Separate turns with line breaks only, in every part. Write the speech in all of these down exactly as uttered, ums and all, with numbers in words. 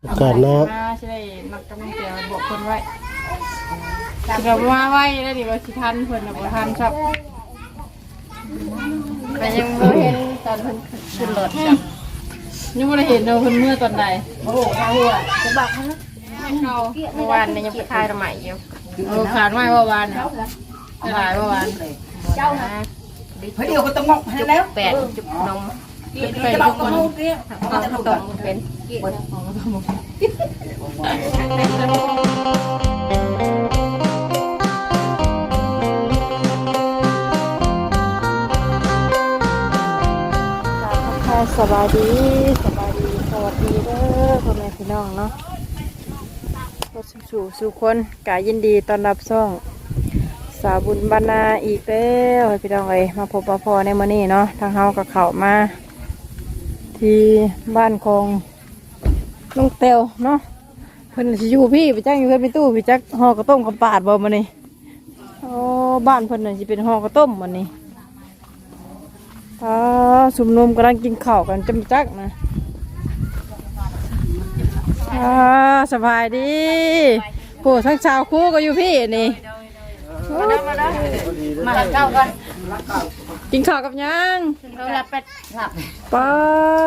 อากาศหนาว
มาใช่ได้นักกำลังเกี่ยวบอกคนไว้เรามาไว้แล้วดิว่าสิทันเพิ่นน่ะบ่ทันครับแต่ยังบ่เห็นตอนเพิ่นขึ้นรถจ้ะยังบ่ได้เห็นเนาะเพิ่นเมื่อตอนใดโอ้โหข้าวหัวจะบักฮะเขาเมื่อวานนี่ยังไปทายทำไมอยู่เออขาดไว้เมื่อวานน่ะหลายเมื่อวานเจ้านะเฮ้ยเดี๋ยวก็ต้องงอกให้แล้วแปดจุดนมเป็นทุกคนเขาตรงเป็นสบายดีสบายดีสวัสดีเด้อพ่อแม่พี่น้องเนาะก็สู่สู่คนกายยินดีต้อนรับซ่องสาวบุญบรรณาอีกแล้วพี่น้องเอ้ยมาพบปะพอในมื้อนี้เนาะทางเฮากับเขามาที่บ้านของลุงเตียวเนาะเพิ่นสิอยู่พี่ไปจ้างอยู่เพิ่นไปตู้ไปจักห่อกระต้มกับปาดบ่มื้อนี้โอ้บ้านเพิ่นน่ะสิเป็นห่อกระต้มมื้อนี้อ๋อสุมนุมกำลังกินข้าวกันจำจักนะอ่าสบายดีโอ้ทั้งชาวคู่ก็อยู่พี่นี่มาเด้อมาเด้อมาหลับเก้ากันกินข้าวกับยังเราหลับเป็ดหลับป้า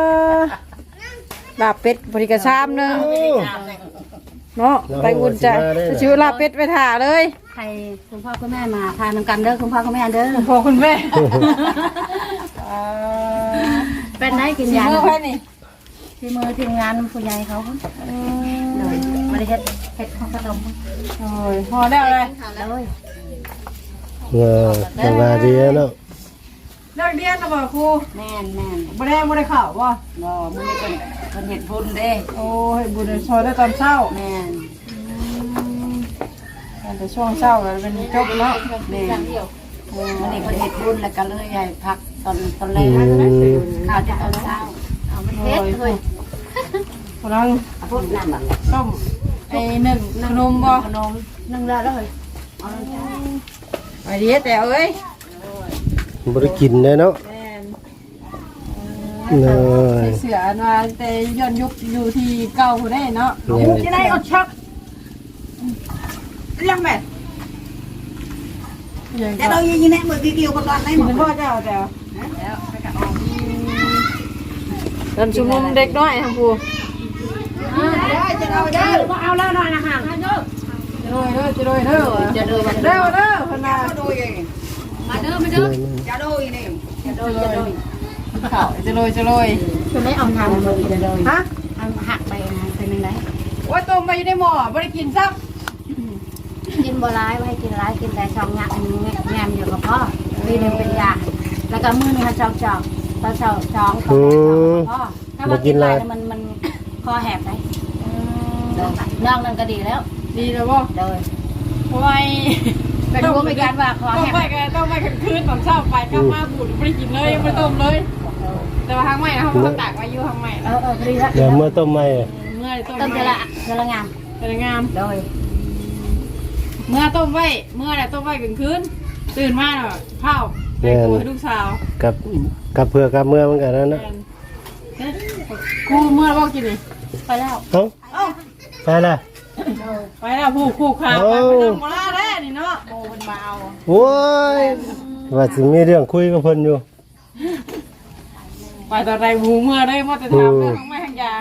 หลับเป็ดบริกรชามนึงเนาะไปอุ่นใจชิวลาเป็ดไปถ่าเลย
ใครคุณพ่อคุณแม่มาทานน้ำกันเด้อคุณพ่อคุณแม่เด้อ
คุณพ่อคุณแม่
เป็นได้กินยา
เมื่อไหร่นี่
ที่มือทีมงานผู้ใหญ่เขาเลยมาได้เฮ็ดเฮ็ดข้าวขนม
โอ้ยพอได้อะไร
เลย
เออสบายดีเนาะ
เลิกเรียนแล้วบ่ครู
แม่นแม่น
บ่ได้บ่ได้ข่าวบ่
บ่มื้อนี้เพิ่นเพิ่นเฮ็ดบุญเด้
โอ้เฮ็ดบุญซอยได้ตอนเช้า
แม่น
แต่ช่วงเช้าแล้วเป็นจบเนาะ
แม่นมื้อนี้เพิ่นเฮ็ดบุญแล้วก็เลยให้พักตอนตอนแรกข้าวจะตอนเช้าเอามันเฮ็ดเฮ้ย
กำลัง
พูดนั่นน่ะ
ต้มไอ้นึ่งขนมบ่
ขนมนึ่งแล้วเลยเอา
ไปดีแต่เอ้ย
บ่ได้กินเลยเนาะเนาะ
เสือมาแต่ย้อนยุคอยู่ที่เก่าผู้ได้เนาะ
จะได้อดชักยังแม่แต่เรายังยังแน่เหมือนวิวกันตอนไหนหมด
พ่อเจ้าแต่ตอนชุมนุมเด็กน้อยทางผู้
จะเอาได้ก็เอาแล้วหน่อยนะฮะ
จะโดยเด้อจะโดยเด้อ
จะโดย
เด้อเด้อพนา
โดยมาเด้อมาเด้อจะโดยนี่จะโดยจะโดย
ข่าวจะโดยจะโดย
คือไม่เอาทำเลยจะโดยฮะเอาหักไปนะเป็นยังไง
ว่าต้มไปอยู่ในหม้อไม่ได้กินซับ
กินบัวร้ายไว้กินร้ายกินแต่ช่องงานงานอยู่กับพ่อปีนึงเป็นยาแล้วก็มือนี่เขาจอกจอกตอนเช้าจ้องกับพ่อถ้ามากินอะไรมันมันคอแหบไปนอกนั่นก็ดีแล้ว
ดีแล้วบ่
โดย
เพราะว่า
เป็นรู้ไม่การว่าคอแหบ
ต้องไปกันต้องไปกันคืนตอนเช้าไปกลับมาบูดไม่ได้กินเลยไม่ต้มเลยแต่ว่าทางใหม่เขาเขาตากไว้อยู่ทางใหม่
เออเออดีแล้ว
เดี๋ยวเมื่อต้มใหม่
เมื่อต้ม
ต้มจะละจะละงาม
จะละงาม
โดย
เมื่อต้มไว้เมื่อไรต้มไว้กลางคืนตื่นมาเนาะเผาไปกูให้ลูกสาว
กับกับเพื่อกับเมื่อมันกันนั่นนะ
กูเมื่อบอกกินเลย
ไปแล้ว
เอ้าไปละ
ไปแล้วผูกผูกขาไปไปนั่งโมล่าแร่นี่เนาะโมเป็นมาเอา
โอ้ยว่าสิมีเรื่องคุยกับเพิ่นอยู่
ไปตอนไรหูเมื่อได้มาแต่ถามเรื่องของแม่ทางยา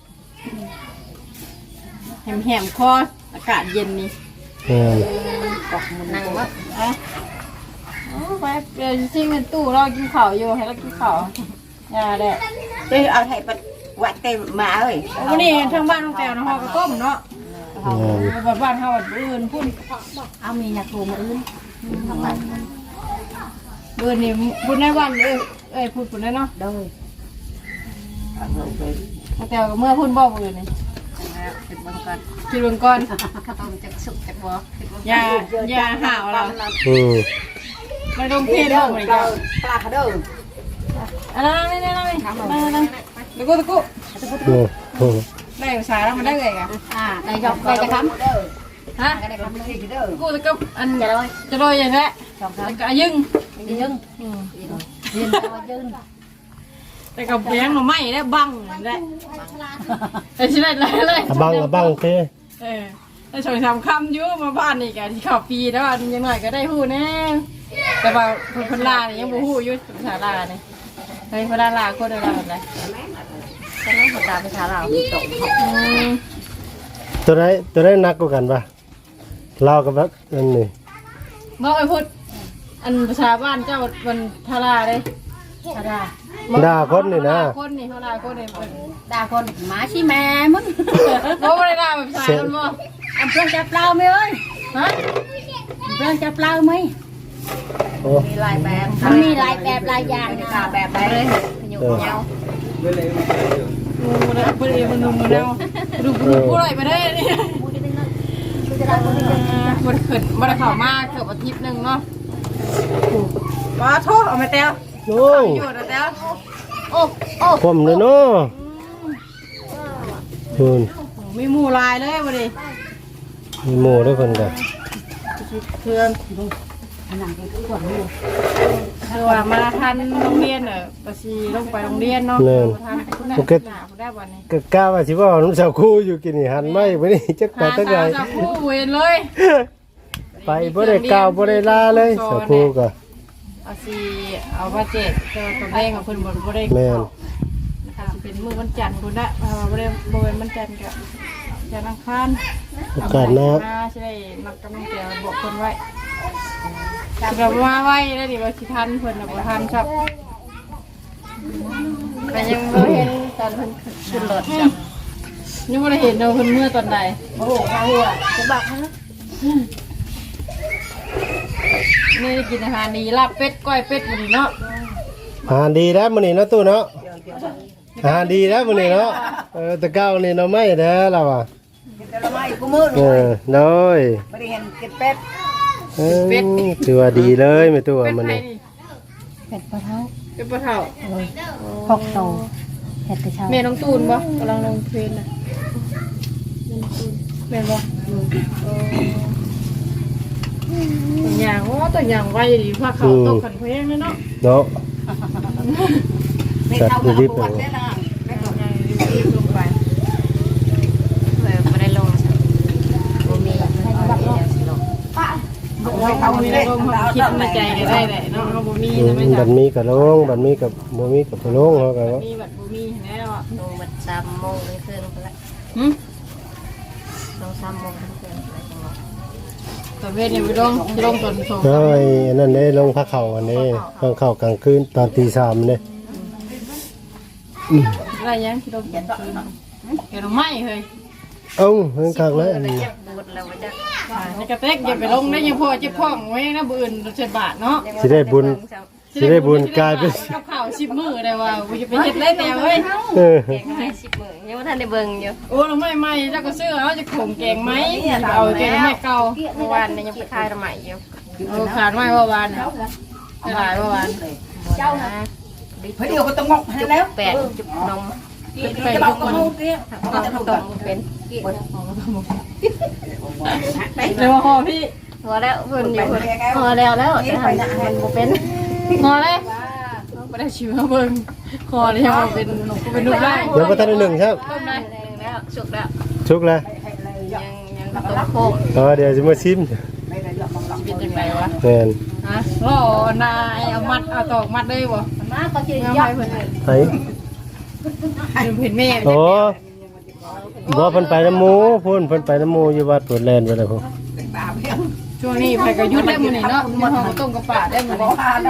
แหมแหมคออากาศเย็นนี่นั่งวะอ่ะโอ้ไปเดี๋ยวซิ่งเป็นตู้เรากินข้าวอยู่ให้เรากินข้าวยาแดด
เดี๋ยวเอาให้ปัดวัดเต็มมาเอ้ย
วันนี้ทางบ้านน้องแต้วนะฮอกระต้มเนาะบ้านบ้านเฮาบ้านอื่นพุ่น
เอามียาคูมาอื่นทำไม
เบื่อนี่พุ่นในวันเอ้ยเอ้ยพุ่นพุ่นในเนาะ
โดย
แต่ก็เมื่อพุ่นบอกอื่นนี่คิดเบิ่งก่อนคิดเบิ่งก่อน
ต้องจักสุกจักบ่
ยายาห่าวเรา
อืม
ไม่ต้องเพี้ยนเด้อเหมือนกัน
ปลาเด้อ
อันนั้นนี่นี่นี่มานั่งตะกุตะกุได้ภาษาแล้วมันได้ไงกัน
อ่าได้จบได้จะคำฮะได้คำเลยเด้อ
กูตะกุอัน
จะโดย
จะโดยอย่างนี้ก็ยึง
ยึงยึงยึง
แต่กับแพงหน่อไม้ได้บังได้แต่ชิได้เลยเลย
อะบังอะบังเต้
เออแต่สองสามคำอยู่มาบ้านนี่กันที่เข้าปีแล้วอันยังหน่อยก็ได้ฮู้แน่แต่ว่าคนคนลานี่ยังบ่ฮู้อยู่ภาษาลานี่เฮ้ยคนลาลาคนลาแบบไหน
ฉะนั้นเขาตาไปทาเรามีตก
ตัวไหนตัวไหนหนักกว่ากันปะลาวกับแบบนั่นนี่
บ่ไอ้พูดอันภาษาบ้านเจ้ามันทาราเลย
ทารา
ด่าคนนี่นะ
คนนี่เขาด่าคนนี่
ด่าคนหมาชี้แม่มึง
บ่ได้ด่าแบบภาษาคนบ่
อันเพื่อนจับเปล่าไหมเอ้ย
ฮะ
เพื่อนจับเปล่าไหม
โอ้
มีหลายแบบมันมีหลายแบบหลายอย่างค่ะแบบไหนเลยอยู่เงา
งูมันเพิ่นเองมันนุ่มมันเอาดูผู้ไรไปได้นี่บ่ได้ขึ้นบ่ได้เข้ามาเกือบอาทิตย์นึงเนาะมาโทษเอามาแต้ว
โอ้
อยู่นะแต้วโอ้โอ้
ผมเลยเนาะคุณ
มีหมู่ลายเลยบ่ดิ
มีหมู่ด้วยเพิ่นกัน
เพื่อนคือว่ามาทันโรงเรียนเน่ะก็สิลงไปโรงเรียนเนาะทันคุณน่ะคุณได้บ่นี่
ก็กล้าว่าสิว่าน้ำสาวคู่อยู่กินนี่หันไม่ไปนี่จักไปตั้งไง
หาคู่เวนเลย
ไปบ่ได้ก้าวบ่ได้ลาเลยสาวคู่ก็
เอาสิเอาว่าเจ็ดเจอตัวเลขของเพิ่นบ่บ่ได้
แม่น
นะคะสิเป็นมื้อวันจันทร์พุ่นน่ะเพราะว่าบ่ได้บ่เป็นวันจันทร์ก็จันทร์อังคาร
โอกาสหน้า
สิได้นักกำลังใจบอกเพิ่นไว้สิแบบว่าไว้ได้ดิว่าสิทันเพิ่นน่ะบ่ทันครับแต่ยังบ่เห็นตอนเพิ่นขึ้นรถจ้ะยังบ่ได้เห็นเนาะเพิ่นเมื่อตอนใด
โอ้โหข้าวหัวจะบอกฮะ
นี่ได้กินอาหารดีลาบเป็ดก้อยเป็ดมื้อนี้เนาะ
อาหารดีแล้วมื้อนี้เนาะตู้เนาะอาหารดีแล้วมื้อนี้เนาะเออแต่เก้านี่เนาะไม่เด้อเราอ่ะ
จะละไม่กูมือ
เออน้อย
ไม่ได้เห็นกินเป็ด
เออถือว่าดีเลยแม่ตู้
เป็ด
มื้อ
ไผ
นี้
นี่
เป็ดปลาเท้า
เป็ดปลาเฒ่า
หกโตเห็ดกระเช้า
แม่น้องตูนบ่กำลังลงเทรนน่ะแม่นบ่ตัวอย่างโอ้ตัวอย่างไว้ดีพาเขาตกขันเพลงเลยเนาะ
เนาะ
ไม่เท่ากับปวดแน่นอน
รีบลงไปเลยไม่ได้ลงบ่มีเอามีลงความคิดในใจก็ได้แหละเนาะเอาบ่มี
อื
นะ
ม
ไม่
บั
ใช่
ดมีกับลงบัดมีกับบ่มีกับบ่ลงเฮาก็ว่า
มีบัดบ่มีแล้วอ่ะ
ลงบัดสามโมงเลยคืนไปละ
หึ
ลงสามโมงคืนไปจังหวะ
ตอนเวทนี่ไปลงสิลงตอนสอง
เอ้ยอันนั้นเด้ลงพักเข้าอันนี้พักเข้ากลางคืนตอนตีสามนี่
อะไรยังสิลงตอนคืนเห็นไหมเฮ้ย
เอ้าเพิ่นคักเลยอันนี้
บูดแล้วจะ
ในกระเตกอย่าไปลงได้ยังพอเจ็บท้องไว้นะบ่อื่นเจ็ดบาทเนาะ
สิได้บุญสิได้บุญกลายเป็น
กับข้าวสิบมื้อได้ว่ากูจะไปเฮ็ดได้แต่เว้ย
เออ
แกงให้สิบมื้อยังว่าท่านได้เบิ่งอยู่
โอ้เราไม่ไม่แล้วก็ซื้อเอาจะขมแกงไหมเอาแกงไม่เก่า
เมื่อวานยังไปคายละใหม่อยู่
เออขาดไม่เมื่อวานไม่หลายเมื่อวาน
เจ้านะเฮ้ยเดี๋ยวก็ต้องงอกให้แล้วแปดจุดนม
ไปทุกคน
เอาตรงเป็น
เดี๋ยวพอพี่
พอแล้วเพิ่นอยู่พอแล้วแล้วจะทำมันบ่เป็น
พอเลยไม่ได้ชิมเบิ่งคอเลยยังเป็นเป็นรูปได้
ยังบ่ทันได้หนึ่งครับ
ต้มได้
แล้วสุกแล้ว
ชุกแล้ว
ยังยังต้มโค้ง
อ๋อเดี๋ยวสิมาชิม
เป็นยังไงวะ
แม่น
ฮะรอนายเอามัดเอาตอกมัดได้บ่
มาก็จะ
งาม
ย
ไป
อด
เพิ่น
ไป
เห็นแม่
โอ้บ่เพิ่นไปน้ำหมูพุ่นเพิ่นไปน้ำหมูอยู่วัดปวดแลนไปแล้วพุ่น
ช่วงนี้ไปก็ยุดได้มื้อนี้เนาะมันหอมต้มกับป่าได้มื้อนี้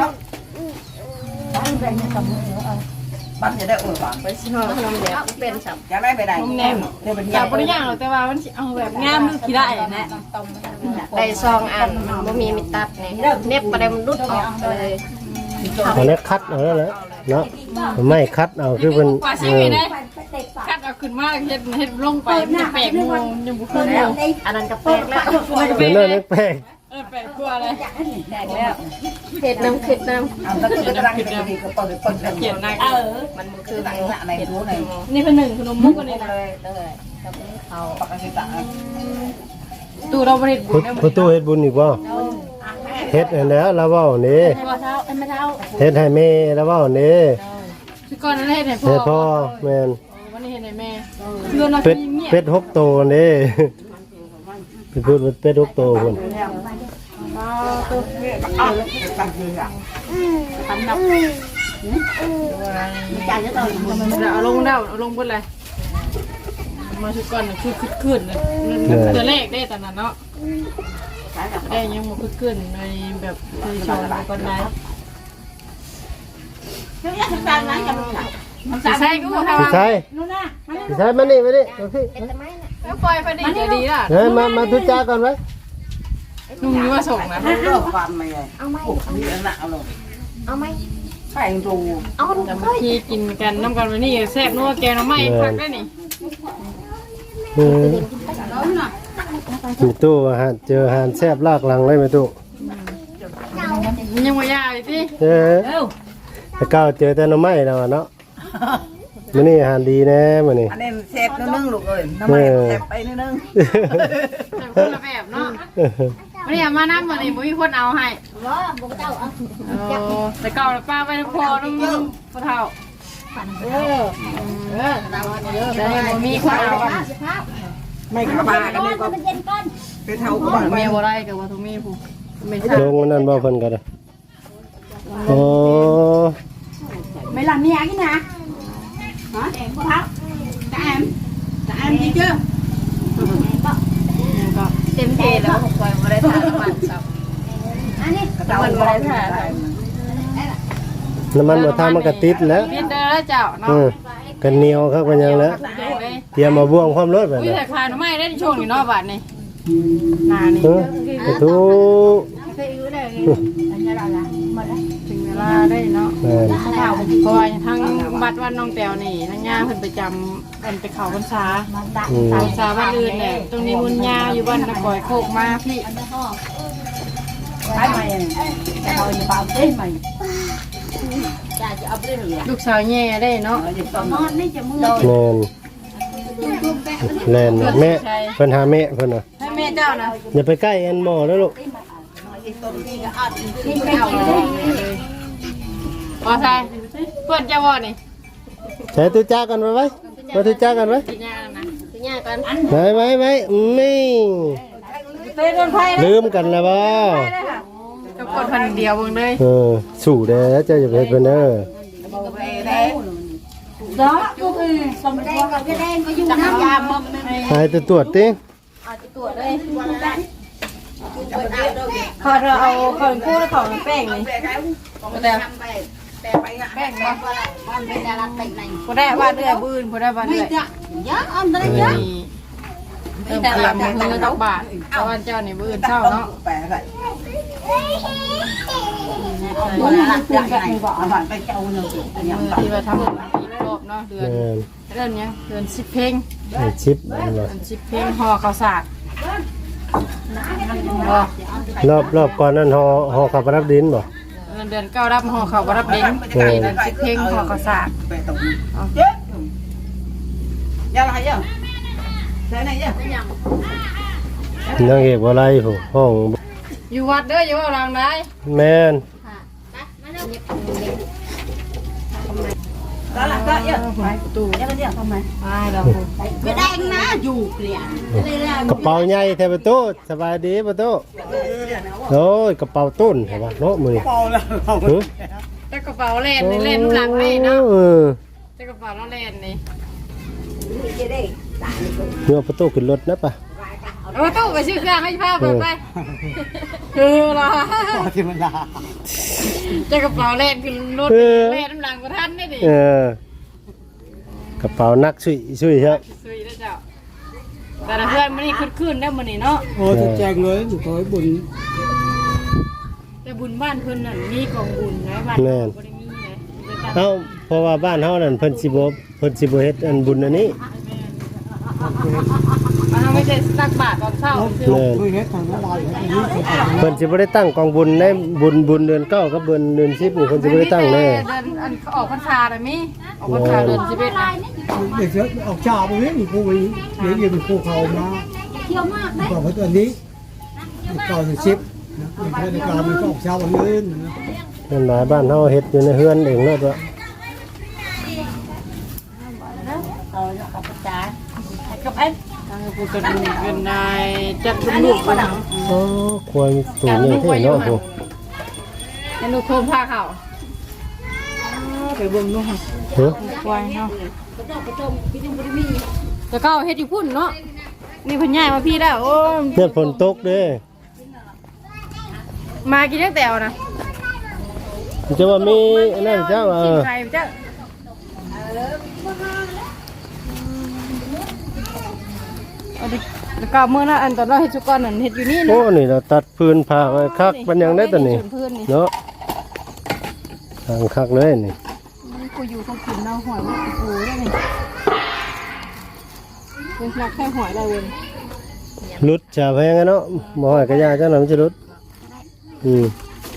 บ้านจะได้อวยหวาน
ไปสิฮอดขนมแดง
เป็นสับ
อยากได้ไปไหน
นมแนม
เดี๋ยวเป็น
อยากบ่ได้ย่างหรอกแต่ว่ามันสิเอาแบบงามดูขี้ได้นะ
ได้ซองอันมันบ่มีมิตับนี่เน็บบ่ได้มันรุดออกเลย
อันนี้คัดเอาแล้วแหละเนาะไม่คัดเอาคือเพิ่น
กว่าสิ
เอ
มี
อ
ได้คัดเอาขึ้นมาเฮ็ดเฮ็ดลงไปมันจะแปลกงงยังบ่เคยแล้ว
อันนั้นก็แปลกแล้ว
เดี๋ยวนั้นแปลก
เออแปลกกว่าเลย
แปลกแล้วเห็ดน้ำขึ้นน้
เอาแล้วก็กำลังจะดีก็เปิดเปิด
เขียนหน้า
เออ
ำมันคือ
หนังหน้าในรู้ใน
นี่เป็นหนึ่งขนมมุกกันนี่นะ
เลยเลยกับเขา
ปกติต่าง
ตู้เราบ่ได้บุ
พุ
ญได้
พุตู้เฮ็ดบุญอีกบ่เฮ็ดอันแล้วแล้วเว้านี่
ให้บ่เท้าให้ไม่เท้า
เฮ็ดให้แม่แล้วเว้านี่
สิก่อนนั้นเฮ็ดให้พ่อ
เฮ็ดพ่อแม่น
วันนี้เฮ็ดให้แม่เงินเรา
เป็ด
เงียบ
เป็ดหกโตวนี่ ไปพูดว่าเป็ดหกโตวพุ่น
เอาแล้วตังค์อ่ะทำนับจ่ายเยอะเลย
เอาลงแล้วเอาลงเบิดเลยมาชุดก่อนคือคึกคืนเลยตัวเลขได้ตอนนั้นเนาะได้ยังบ่คึกคืนในแบบคือชมก่อนได้
เดี๋ยวจะทำร้านกันหรอ
สิใช่กูบ่ทำ
สิใช่
นู่นน่ะ
สิใช่มานี่มานี่เอาสิ
แล้วปล่อยไปดิจะดีล่ะ
เฮ้ยมามาทุจ้าก่อนไว้
นุ่งนี่ว่าส่งนะ
เลิกฟันไหมเอาไหมมีอันหนักเอาลงเอาไหมใส่รู
แต่บางทีกินกันน้ำกันวันนี้แซ่บนัวแกงน้ำไหม้พักได้นี่
เออมีตู้อาหารเจออาหารแซ่บลากหลังเลยไหมตู้
มันยังไม่ยากเลยที่
เออแต่ก้าวเจอแต่หน้ำไม้แล้วอะเนาะมื้อนี้อาหารดีแน่มื้อนี้
อันนี้เซฟนิดนึงลูกเอ้ยน้ำมันเซฟไปนิดนึง
แต่คนละแบบเนาะวันนี้มาน้ำวันนี้บ่มีคนเอาให้
ว่าบุกเจ้าเอา
แต่เก่าป้าไปทั้งพอทั้งพ่อเฒ่าเออเออแต่บ่มีคนเอา
สิครับ
ไม่กระบากัน
ก้อ
นี่
น
ก็
มันเย็นก้อน
ไปเท่ากับบ้าน
เมียบ่ได้กับว่าทุกมีผู้ไม่ใช่
ลงมันนั่นบ่เพิ่นก็ได้โอ้
ไม่làm mẹ cái nè hả em có tháo cả em cả em đi chưa
เต็มที่แล้วผมปล่อยบ่ได้ทานน้ำมันซับ
อันนี้
มันบ่ได้ทาน
น้ำมันบ่ทามันก็ติดแล้ว
เพียนเด้อแล้วเจ้าเนาะ
เออกันเหนียวครับกันยังแล้วเตรียมมาบ่วงความรถไป
อุ้ย
นะ
แต่ขายหน่อไม้ได้ในช่วงนี้เนาะบาทนี่หน้านี่
เออไปทุ
เคยอยู่เลยอันนี้เราละหมดแล้ว
ถึงเวลาได้เนาะ
แม่น
เพราะว่าทั้งบัดวันน้องแต้วนี่ทั้งย่าเพิ่นไปจำเพิ่นไปเขาพรรษา
อืม
เขาพรรษาบ้านอื่นเนี่ยตรงนี้มุนยาอยู่บ้านนครโคกมาพี่
cái mày cái hồi như bao thế mày
จะจะเอาไปเลย
ลูกสาวแย่ได้เนาะ
ở dịch tôm
นอนไม่จะมือ
แม่นแม่นแม่เพิ่นหาแม่เพิ่นน่ะ
ให้แม่เจ้านะ
อย่าไปใกล้อันหมอแล้วลูก
dịch tôm đi cái ăn
นี่ไม่กินเลย
พอใช่เพื่อนเจ้าว่านี่
ใช้ตุจ้ากันไว้ไว้มาตุจ้ากันไว้
สิย่านะ
สิย่ากัน
ไว้ไว้ไว้นี่
เต้นโดนไพ่
ลืมกันแล้วบ่
กับคนพันเดียวเบิ่งเลย
เออสู่เด้อเจ้าอย่าไปเฮ็ดเพิ่นเด้อ
về đấy
đó cô xong đen còn cái đen có dung năm già mầm
ให้ตัวตรวจติ
tuổi đây
ขอเราเอาคนกู้แล้วของแป้งนี่
về cái
แต่
về bay ngã
แป้งบ่
con bên Đà Lạt tỉnh này
บ่ได้ว่าเดือยบื้นบ่ได้ว่าเดือย
nhớ ông tới
นี่
nhớ
เติมพลังมือตกบาทเอาวันเจ้านี่บื้นเช้าเนาะ
về vậy còn là lạc đại này bọn bạn tay trâu nhiều chị
มื
nhầm
อที่ว่าทำอีกรอบเนาะเดือน
แม่น
เดือนเนี้ยเดือนสิบเพลง
ให้ชิปอันว่า
เดือนสิบเพลงห่อข้าวสากบ่
รอบรอบก่อนนั้นห่อห่อขับรับดินบ่
เดือนเก้ารับห่อข้าวบ่รับเด้งเดือนสิบเพลงห่อข้าวสาก
về tổng chết ra lại chưa thế này chưa
นางเอกบ่ไรผู้ห้อง
อยู่วัดเด้ออยู่ว่าหลังได้
แม่น
đó là cỡ chưa
ไปตู้
nhớ chưa không mày
ไปแล้ว
cái đen ná dù kìa đây là
กระเป๋าใหญ่แท้ประตูสบายดีประตูโอ้ยกระเป๋าตุ้นเห็นป่ะเนาะมื้อนี้
bao là không
หึ
แต่กระเป๋าเล่นนี่เล่นหลังนี่เนาะ
เออ
แต่กระเป๋าเราเล่นนี่
เมื่อประตูขึ้นรถนะป่ะ
เอาตู้ไปชื่อเครื่องให้ภาพเปิดไปคือเหรอ
thì mình là
แต่กระเป๋าเล่นคือรถเล่นน้ำหลังกระทันได้ดิ
เออกระเป๋านักสุยสุยครับ
สวยแล้วเจ้าแต่ละเพื่อนมันนี่ขึ้นขึ้นได้มันนี่เนาะ
Ôi thật chàng ơi, tôi thấy buồn
แต่บุญบ้านเพิ่นนั่นมีกองบุญนะบ้าน
แม่น
บ่ได้มีนะ
เอ้าเพราะว่าบ้านเฮานั่นเพิ่นสิบ่เพิ่นสิบ่เฮ็ดอันบุญอันนี้
บ้านเฮาไม่ใช่ตักบาตรตอนเช้าคือ
แม่น
tôi hết thằng nó lại hết cái gì thì
เพิ่นสิบ่ได้ตั้งกองบุญในบุญบุญเดือนเก้ากับบุญเดือนสิบนี่เพิ่นสิบ่ได้ตั้งแน่
เดินอันเขาออกพรรษาเลยมิออกพรรษาเดือนสิบเอ็ดนะ
để chứ học trò mới biết thì cô ấy nếu như mình cô khẩu mà
thiếu mạc đấy
còn cái tuần đi còn thì ship mình thấy là còn mình có học trò bằng lên
นั่นหลายบ้านเฮาเฮ็ดอยู่ในเฮือนเองเนาะตัว
à
ผู้กันเป็นนายจัดลูกๆกัน
โอ้ควายตัวใหญ่เท่เนาะโห
ให้ลูกโคมผ้าเขาไปเบิ่งดูค่ะ
เฮ้ย
ควายเนาะแล้วก็เฮ็ดอยู่พุ่นเนาะนี่เพิ่นย้ายมาพี่แล้วโอ้
เนี่ยฝนตกเด้
มากินตั้งแต่นะ
จะว่ามีอันนั่นเจ้าเอ
กิน
อ
ไข่เจ้าเอาดิแล้วก็มื้อนั้นอันตอนเราเฮ็ดสุกรนั่นเฮ็ดอยู่นี่
โอ้
เนาะ
นี่เราตัดพื้นผ้าไว้คักมันยังได้ตัวนี้
พื้นนี่
เนาะทางคักเลยนี่
กูอยู่ต้องกินเนาะหอยมันกูได้นี่เป็นนักแค่หอยได้เว้ย
รุดชาแพงอะเนาะหมอหอยกระยาเจ้าหน่อยมันจะรุดอืม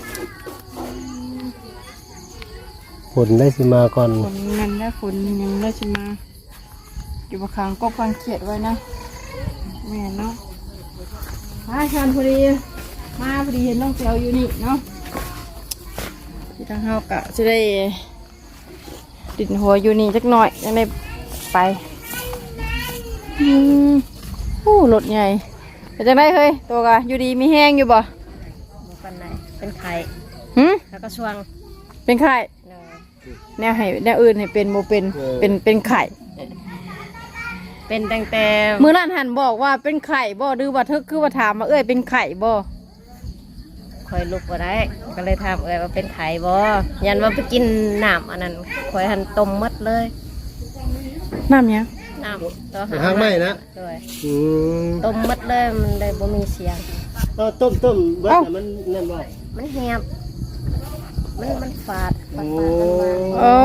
ฝนได้สิมาก่อน
ฝนมันได้ฝนยังได้ชิมาอยู่บนคางกบกางเขียดไว้นะแม่เนาะมาชันพอดีมาพอดีเห็นน้องเตียวอยู่นี่เนาะที่ทางเฮากะจะได้ติดหัวอยู่นี่จักหน่อยยังได้ไปอืมโอ้รถใหญ่เป็นจังได้เฮ้ยตัวกะอยู่ดีมีแห้งอยู่บ่
ปันไหนเป็นไข่
หืม
แล้วก็ช่วง
เป็นไข่แนวให้แนวอื่นให้เป็นโมเป็นเป็นเป็นไข่
เป็นตั้งแต่
มื้อนั้นหันบอกว่าเป็นไข่บ่ดื้อว่าเธอคือว่าถามมาเอ้ยเป็นไข่บ่
คอยลุกบ่ได้ก็เลยถามเอ้ยว่าเป็นไข่บ่ยันว่าไปกินน้ำอันนั้นคอยหันต้มหมดเลย
น้ำหยัง
น้ำต่อ
หางไหม้นะ
ด้วย
อืม
ต้มหมดเลยมันได้บ่มีเสียง
เอาต้มต้มเบิดน่ะมันนั่นว่า
มันแหบมันมันฝาดฝาด
โอ้
ฝาดมันมา
โอ้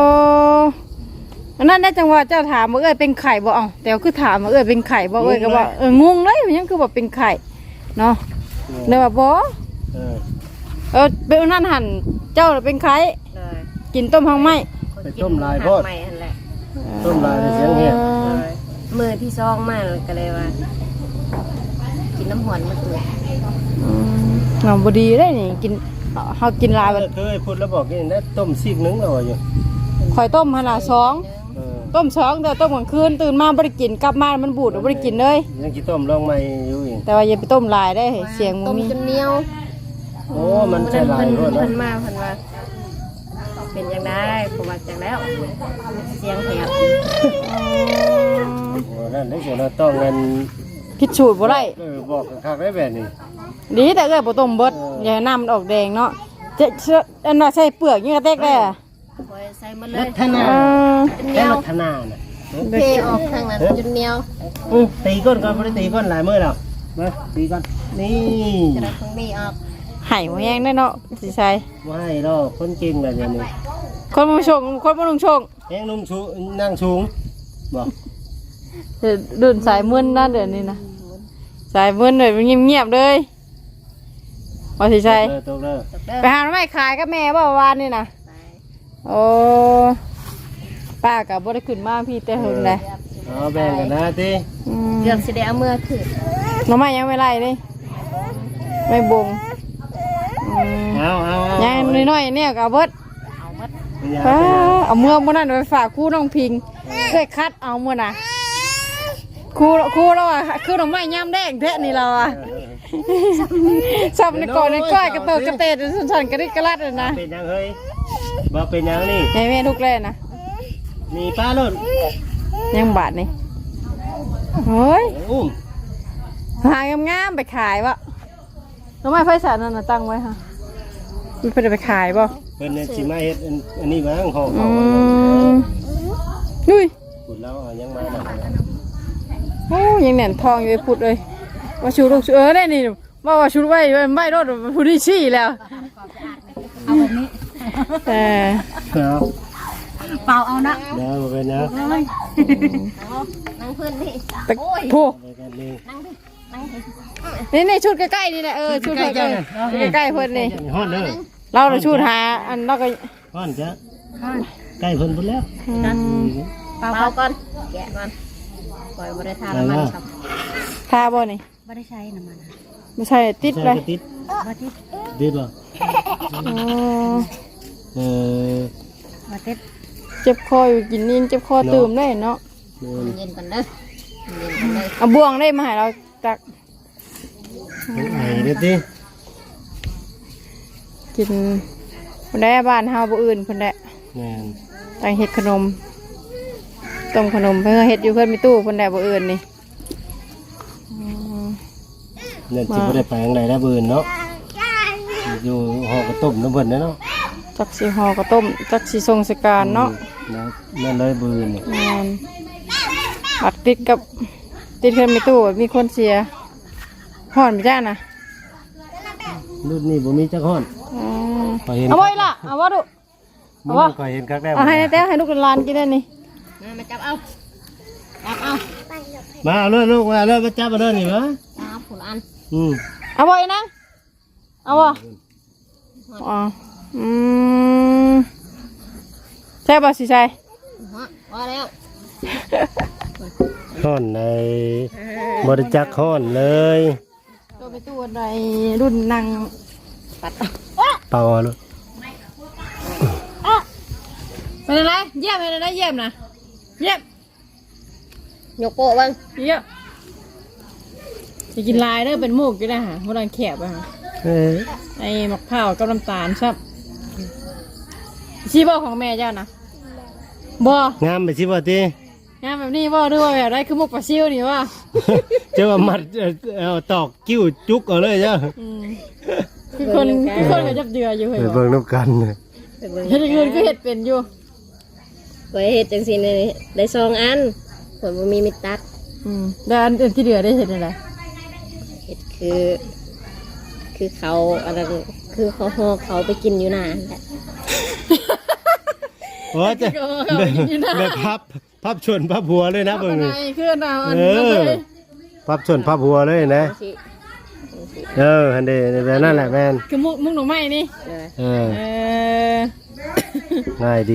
อันนั้นได้จังหวะเจ้าถามว่าเอ้ยเป็นไข่บ่เอ้าแต่คือถามว่าเอ้ยเป็นไข่บ่เอ้ยก็ว่าเอองงเลยมันยังคือว่าเป็นไข่เนาะเลยว่าบ่
เออ
เออเป็นอันนั้นหันเจ้าน่ะเป็นไข่
เลย
กินต้มหางไหม
ไปต้มลายโพด
ใหม่นั่นแหละ
ต้มลายในเสียงเหี้ย
เลยมือที่ซองมาก็เลยว่า กินน้ำหอนมาตัว
อืมงามบ่ดีได้นี่กินเฮากินหลายบัด
เคยพูดแล้วบอกกินได้ต้มซีกหนึงแล้วว่าอยู่
ข่อยต้มหั่นน่ะสอง
เออ
ต้มสองแต่ต้มกลางคืนตื่นมาบ่ได้กินกลับมามันบูดบ่ได้กินเลย
ยังกินต้มลองใหม่อยู่อีก
แต่ว่าอย่าไปต้มหลายได้เสียงมั
ต้
น
ม
มี
จนเหนียว
โอ้มันใช่ลาย
เพิ่น
รวดแล้ว
เพิ่นมาเพิ่นว่า เป็นยังได้ผมว่าจังแล้ว เสียงแหบ
โอ้นั่นได้เสียเราต้องเงิน
คิดสูตรบ่ได้
เออบอกคักๆได้แบบนี้
ดีแต่เอ้ยบ่ต้มเบิดอย่าให้น้ำมันออกแดงเนาะจะเชื่ออันว่าใส่เปลือกยังกระเตกได้อะ
คอยใส่มาเล
รั
ย
ตนา
เออ
เหนี
แค่
ยว
รัตนาน่ะ
เทออกทางนั้นจนเหนียว
อือตีก้นก่อนบ่ได้ตีก้นหลายมื้อแล้วมาตีก่อนนี่
จะได้ตรงนี้ออก
ไห้บ่แห้งได้เนาะสิใส่
บ่ให้ดอกคนเก่งแบบนี้
คนบ่ชงคนบ่ลงชง
แฮงนุ่มสูงนั่งสูงบ่
เดี๋ยวเดินสายมึนนะเดี๋ยวนี้นะสายมึนเลยมันเงียบๆเลยว่าสิใส่
เออตกเด้อ
ตกเด้อ
ไปหาหน่อไม้ขายกับแม่บ่วานนี่นะ
ไป
โอ้ป้าก็บ่ได้ขึ้นมาพี่แต่หึงเลย
เอาแบ่งกันนะติ
อืม
เกือบสิได้เอามือขึ้น
หน่อไม้ยังไม่ไล่เลยไม่บงอืม
เอาเอาเอา
ยังน้อยๆเนี่ยก็เอาเบิด
เอาหมด
ฟ้าเอาเมื่อมื่อนั้นไปฝากครู่น้องพิงเคยคัดเอาเมื่อน่ะครูครูเราอ่ะคือดอกไม้ย่ำแดงแท้นี่เราอ่ะสับในก่อนในก้อยกระเติกกระเตดสันๆกระดิกกระลัดเลยนะ
เป็นยังเฮ้ยบ่เป็นยังนี่
ในแม่ทุกแล่นะ
มีป้าลุ่น
ยังบาทนี่เฮ้ย
อุ้ม
หางามๆไปขายวะดอกไม้ไฟสารนั่นน่ะตั้งไว้ค่ะมีเพื่อนไปขายบ่
เพิ่นเนี่ยสิมาเฮ็ดอันอันนี้บ้างห่อ
อื
เขา
มนุ้ย
พูดแล้วเอายังมาน่ะ
โอ้ยังแหน่นทองอยู่ไอ้พุดเลยว่าชูลูกชูเออได้นี่ว่าว่าชูไว้ไว้ไม่รถพูดที่ชี้แล้ว
เอาแบบนี้
แต่
เอา
เปล่าเอานะ
เดี๋ยวบ่เป็นนะ
นั่งพื้นนี่
แต่โผ
ไปกันเลย
นั่งดินั่งดิ
นี่นี่ชุดใกล้ๆนี่แหละเออชุดใกล้ๆใกล้ๆเพิ่นนี่
ฮอดเด้อ
เราเราชุดหาอันเราก็
ฮอดจ้ะใกล้เพิ่นพุ่นแล้ว
อืม
เปล่าก่อนแกะก่อนปล่อยบริทานน้ำมันครับ
ทาบ่นี่
ไม่ได้ใช้น้ำมัน
ไม่ใช่ติดเลย
ติด
ว่าที่
ติดบ่
อ๋อ
เออ
ว่าเต็ด
เจ็บคออยู่กินนินเจ็บคอตื่มได้เนาะ
นี่
เย็นกันเด้อ
เอาบ่วงได้มาให้เราตัก
ไอ้เด้อติ
กินคนได้บ้านเฮาบ่อื่นคนได้
แม่น
ตั้งเฮ็ดขนมต้มขนมเพื่อเฮ็ดอยู่เพื่อนมีตู้คนได้บ่อื่นนี่อืม
เนี่ยสิบ่ได้ไปทางใดแล้วบื้นเนาะอยู่หอกระต้มน้ำเพิ่นเนาะ
จักสิห่อก็ต้มจักสิทรงสการเนาะ
นะนั่นเลยบื้นนี่
แม่นบัดติดกับติดเพื่อนมีตู้มีคนเสียห่อนไปจ้านะ
รุ่นนี้บ่มีจักฮ้อน
อืม
ขอยเห็น
เอาไว้ล่ะเอาว่าดู
มื้อนี้ขอยเห็นคักแน่
เอาให้แต้วให้ลูกหลานกินได้นี่
มาจับเอาจับเอา
มาเอาเลยลูกมาเอาเลยมาจับเอาเลยนี่มา
จับผุนอัน
อืม
เอาไว้นะเอาบ่อ๋ออืมใช่ป่ะสิใช่
ฮะพอแล้ว
ฮ้อนในบริจักฮ้อนเลย
ตัวไปตู้ใดรุ่นนางปัด
เป่าเอาลูก
เป็นอะไรเยี่ยมเป็นอะไรเยี่ยมนะเยี่ยม
ยกโปะบ้าง
เยี่ยมจะกินลายเด้อเป็นมูกอยู่นะฮะโบราณแขบอะฮะ
เอ้ย
ไอ้มะพร้าวกับน้ำตาลครับชีบ่ของแม่เจ้านะบ่
งามไปสิบ่ติ
งานแบบนี้บ่หรือว่าแบบไรคือมุกปลาซิวนี่ว่า
เจ้าว่ามัดเอาเอาตอกกิ้วจุกเอาเลยเจ้า
อืมคือคนคือคนก็จับเดืออยู่
ไป
เหรอ
เบิ่งน้ำกัน
เฮ็ดเงินก็เฮ็ดเป็นอยู่
ไว้เห็ดจังสิเนี่ยได้สองอันผลบ่มีมิตรตัด
อืมแล้วอันอื่นที่เหลือได้เห็นอะไร
เห็ดคือ คือเขาอะไรคือเขาห่อเขาไปกินอยู่นานแหละ
โอ้จะได้พับพับชนพับหัวเลยนะ
เป็
เบิ่
น
ง
ไง
นี่
คือเราอัน
เอ
นั้น
อ
เลย
พับชนพับหัวเลยนะ
สิ
เออฮันเดแบบนั่นแหละแม่น
คือมุกมุกหน่อไม้นี่
เออ
เออ
เออ
ง่ายดี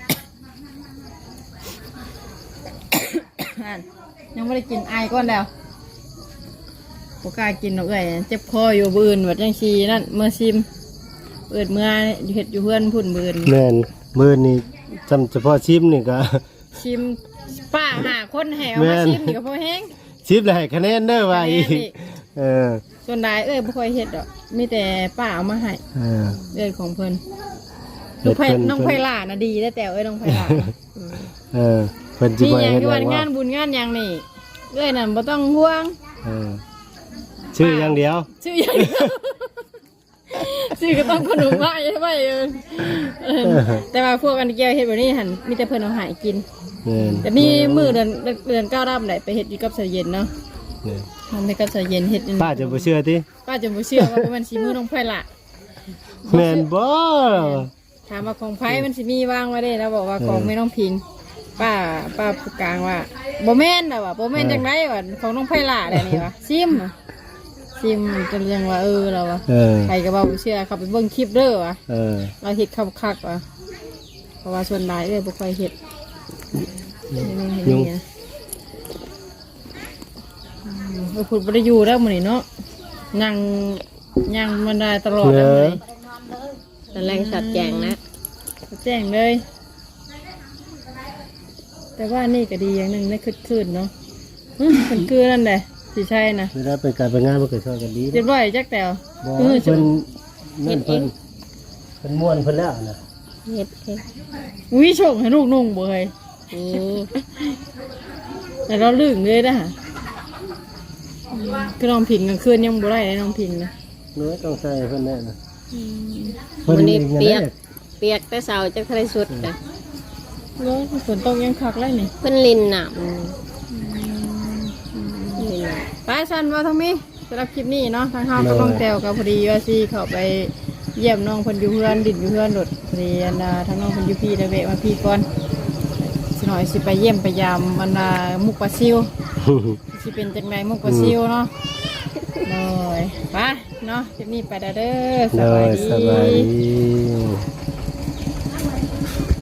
นั่นยังไม่ได้กินไอก้อนแล้วโอกล้ากินหรอกเอ้ยเจ็บคออยู่บืนวัดยังชีนั่นเมื่อซิมเปิดเมื่อเห็ดอยู่เพื่อนพุ่นบืน
แม่นมื้อนี้จำเฉพาะชิมนี่ก็
ชิมป้าหาคนแหว
แม่
มาน ชิมนี่ก็พอแห้ง
ชิมแล้วให้คะแนนเด้อว่าอีก
คะแนนอีก
เออ
ส่วนใดเอ้ยบ่ค่อยเฮ็ดดอกมีแต่ป้าเอามาให้
เออ
เอ้ยของเพิ่น
เฮ็
น้อง
ด
ไผ่
เพิ่น
น้องไผ่ล่าน่ะดีได้แต่เอ้ยน้องไผ่ล่าน่ะ
เออเพิ่นสิ
มี
บ่
หยัง
เฮ็ด
ที่
ห
ว่า
ยัง
งา
ว่าน
บุญงานหยังนี่เอ้ยนั่นบ่ต้องห่วง
เออชื่ออย่างเดียว
ชื่อหยังเดียวชื่อก็ต้องขนมไว้ไว้เออเออแต่ว่าพวกอันเกี่ยวเฮ็ดแบบนี้หั่นมีแต่เพิ่นเอาให้กิน
แม่น
แต่มีมื้อเดือนเดือนเก้ารับได้ไปเฮ็ดอยู่กับสายเย็นเนาะ
แม่น
ทำให้กับสายเย็นเฮ็ด
ป้าจะบ่เชื่อติ
ป้าจะบ่เชื่อว่ามันสิมือน้องไผ่ล่า
แม่นบ่
ถามว่าของไผ่มันสิมีวางไว้ได้แล้วบอกว่าของไม่น้องพิง ป้าป้าผู้กลางว่าบ่แม่นน่ะว่ะบ่แม่นจังไดว่ะของน้องไผ่ล่าได้นี่ว่ะซิมว่ะซิมจนยังว่าเออเราว่ะ
เออ
ใครก็บ่เชื่อเขาไปเบิ่งคลิปเด้อว่ะ
เออ
เราเฮ็ดคักๆว่ะเพราะว่าส่วนหลายเอ้ยบ่ค่อยเฮ็ดนี่ๆเฮ็ดอย่างเงี้ยอืมเออพูดบ่ได้อยู่แล้วมื้อนี้เนาะนั่งย่างมันได้ตลอดแล้วมื้อนี้
ตอนแรกสัตว์แจงนะ
แจ้งเลย แต่ว่านี่ก็ดีอย่างหนึ่งได้คืดคืนเนาะมันคือนั่นแหละสิใช่นะ
เวลาเป็นการเป็นงานมันก็ช่วยกันดี
เรียบร้อยจักแต่ว
บ่
เออ
เพิ่นนั่นเพิ่นเพิ่นม่วนเพิ่นแล้วนะ
เห็ดเห็ด
อุ้ยโชคให้ลูกนุ่งบ่เฮ้ย
นี่
แต่เราลึงเลยนะฮะคือน้องพิงกลางคืนยังบ่ได้เลยน้องพิงนะ
เนื้อต้องใส่เพิ่นแน่นะ
วันนี้เปียก
เพิ่น
เปียกแต่เสาจากทะเลสุดนะ
แล้วฝนตกยังคักเลยนี่
เพิ่นลินน้ำลินน้
ไปสันว่าทั้งมีสำหรับคลิปนี้เนาะทางเฮาก็ต้องแตวกับพอดีว่าสิเข้าไปเยี่ยมน้องเพิ่นอยู่เพื่อนดินอยู่เพื่อนรถพอดีอันน่ะทางน้องเพิ่นอยู่พี่ได้แวะมาพี่ก่อนสิหน่อยสิไปเยี่ยมไปยามอันน่ะมุกปลาซิว สิเป็นจังไดมุกปลาซิวเนาะเลยไปเนาะคลิปนี้ไปเด้อเด้อส
เล
บาย
ย
ดี
สบายดี